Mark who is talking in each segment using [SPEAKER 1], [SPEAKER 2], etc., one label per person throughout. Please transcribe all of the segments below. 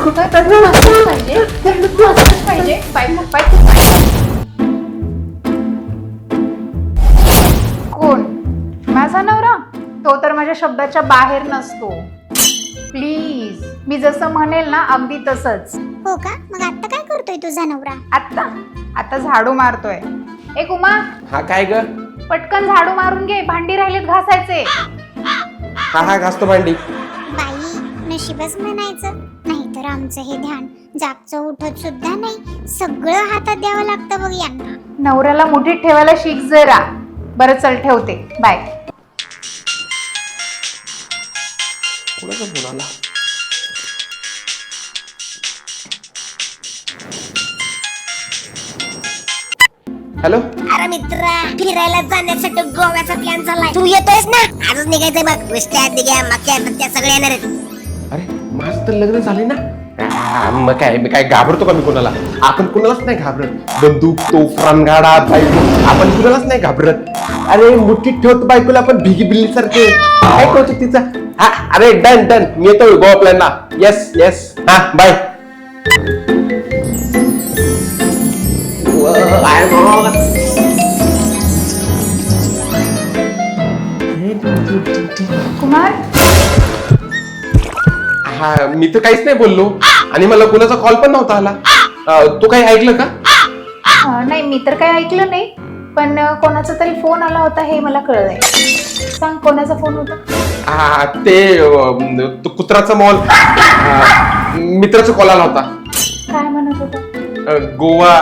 [SPEAKER 1] कोण? माझा नवरा? तो तर माझ्या शब्दाच्या बाहेर नसतो. प्लीज, मी जसं म्हणेल ना अगदी तसंच.
[SPEAKER 2] हो का? मग आता काय करतोय तुझा नवरा?
[SPEAKER 1] आता झाडू मारतोय. ए कुमा,
[SPEAKER 3] हा काय ग?
[SPEAKER 1] पटकन झाडू मारून घे, भांडी राहिलेत घासायचे.
[SPEAKER 3] हा घासतो भांडी.
[SPEAKER 2] बाई, नशीबच म्हणायचं. नाहीतर आमचं हे ध्यान जागचं उठत सुद्धा नाही. सगळं हातात द्यावं लागतं बघ यांना.
[SPEAKER 1] नवऱ्याला मुठीत ठेवायला शिक जरा. बरं चल, ठेवते. बाय.
[SPEAKER 3] कोणाचा फोन आला? हॅलो.
[SPEAKER 4] अरे मित्रा, फिरायला जाण्यासाठी गोव्याचा प्लॅन चाललाय. तू येतोयस ना? आजच निघायचंय बघ. विष्ट्या, दिग्या, मक्या, त्या सगळे येणार आहेत.
[SPEAKER 3] अरे माझं तर लग्न झाले ना. मग काय, मी काय घाबरतो का मी कोणाला? आपण कुणालाच नाही घाबरत. बंदूक, तोफ, रणगाडा, बायको, आपण कुणालाच नाही घाबरत. अरे मुठीत ठेवतो बायकोला आपण भिगी बिल्ली सारखे. काय कौतुक तिचं. हा अरे डन मी येतो गोवा प्लॅनला. येस हा बाय.
[SPEAKER 1] कुमार,
[SPEAKER 3] हा मी तर काहीच नाही बोललो आणि मला कोणाचा कॉल पण नव्हता आला. तू काही ऐकलं का?
[SPEAKER 1] नाही, मी तर काही ऐकलं नाही. पण कोणाचा तरी फोन आला होता हे मला कळलंय. सांग, कोणाचा फोन होता?
[SPEAKER 3] ते कुत्राचा मॉल मित्राचा कॉल आला होता.
[SPEAKER 1] काय म्हणत होता?
[SPEAKER 3] गोवा.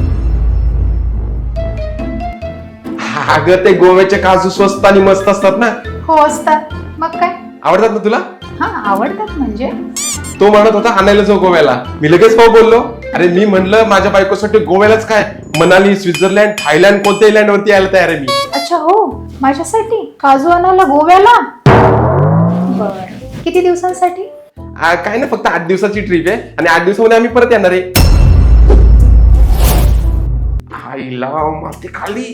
[SPEAKER 3] अगं ते गोव्याचे काजू स्वस्त आणि मस्त असतात ना.
[SPEAKER 1] हो असतात. मग काय?
[SPEAKER 3] आवडतात ना तुला?
[SPEAKER 1] हा, आवडतात म्हणजे.
[SPEAKER 3] तो म्हणत होता आणायला जाऊ गोव्याला. मी लगेच हो बोललो. अरे मी म्हणलं माझ्या बायकोसाठी गोव्यालाच काय, मनाली, स्वित्झर्लंड, थायलंड, कोणत्याही लँड वरती यायला तयार आहे मी.
[SPEAKER 1] अच्छा, हो, माझ्यासाठी काजू आणायला गोव्याला? बर, किती दिवसांसाठी?
[SPEAKER 3] काय ना, फक्त 8 दिवसाची ट्रिप आहे आणि 8 दिवसामध्ये आम्ही परत येणार आहे. आईला माती खाली.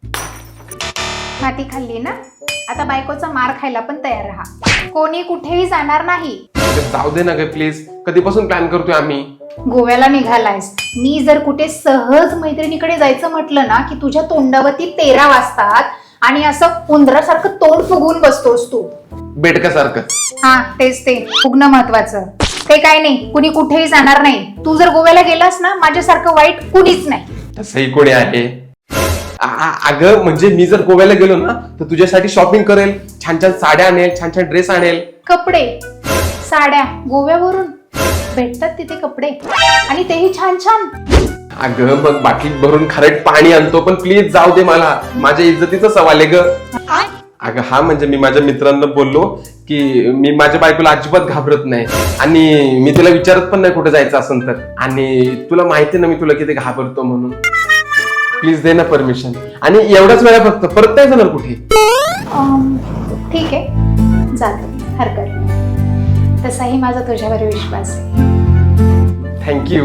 [SPEAKER 1] माती खाल्ली ना? आता बायकोचा मार खायला पण तयार राहा. कोणी कुठेही जाणार नाही.
[SPEAKER 3] जाऊ दे ना ग प्लीज. कधीपासून प्लॅन करतोय आम्ही.
[SPEAKER 1] गोव्याला निघालायस. मी जर कुठे सहज मैत्रिणीकडे जायचं म्हटलं ना की तुझ्या तोंडावरती 13 वाजतात आणि असं उंदरासारखं तोंड फुगवून बसतोस तू.
[SPEAKER 3] बेडकासारखं.
[SPEAKER 1] हा, तेच ते फुगणं महत्वाचं. ते काय नाही, कुणी कुठेही जाणार नाही. तू जर गोव्याला गेलास ना, माझ्यासारखं वाईट कुणीच नाही.
[SPEAKER 3] तसंही कोणी आहे? अगं म्हणजे मी जर गोव्याला गेलो ना तर तुझ्यासाठी शॉपिंग करेल, छान छान साड्या आणेल, छान छान ड्रेस आणेल.
[SPEAKER 1] कपडे, साड्या गोव्यावरून भेटतात तिथे कपडे, आणि तेही छान छान.
[SPEAKER 3] अगं मग बाटलीत भरून खारट पाणी आणतो, पण प्लीज जाऊ दे. मला माझ्या इज्जतीचा सवाल आहे ग. अगं हा म्हणजे मी माझ्या मित्रांना बोललो की मी माझ्या बायकोला अजिबात घाबरत नाही आणि मी तिला विचारत पण नाही कुठे जायचं असेल तर. आणि तुला माहिती ना मी तुला किती घाबरतो म्हणून. प्लीज दे ना परमिशन. आणि एवढाच वेळा फक्त, परत नाही जाणार कुठे.
[SPEAKER 1] ठीक आहे, जाते, हरकत नाही. तसाही माझा तुझ्यावर विश्वास आहे.
[SPEAKER 3] थँक्यू.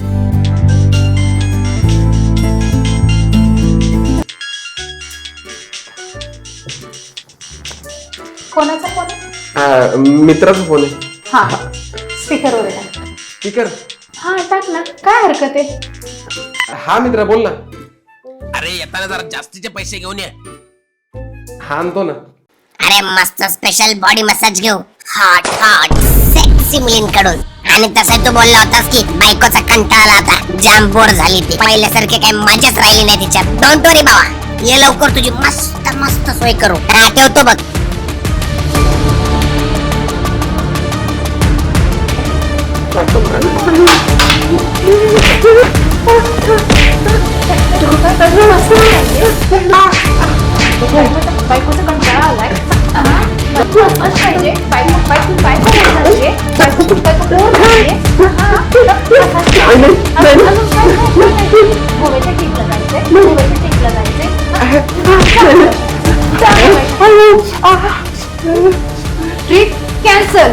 [SPEAKER 1] कोणाचा फोन आहे?
[SPEAKER 3] मित्राचा फोन आहे.
[SPEAKER 1] हा, स्पीकरवर टाक.
[SPEAKER 3] स्पीकर?
[SPEAKER 1] हा, टाक ना, काय हरकत आहे.
[SPEAKER 3] हा मित्रा बोल ना.
[SPEAKER 5] अरे येताना जरा जास्तीचे पैसे घेऊन ये.
[SPEAKER 3] हा आणतो ना.
[SPEAKER 4] अरे मस्त स्पेशल बॉडी मसाज घेऊ, हॉट सेक्सी मुलींकडून. आणि तसं तू बोलला होतास की बायकोचा कंटाळा आला होता, जाम बोर झाली ती. पहिल्यासारखे काही मजाच राहिली नाही तिच्यात. डोंट वरी बाबा, ये लवकर तुझी मस्त मस्त सोय करू. ठेवतो बघ.
[SPEAKER 1] बायकोचा कंटाळा आलाय. पाहिजे गोव्याच्या ट्रिपला जायचंय. Trip cancel.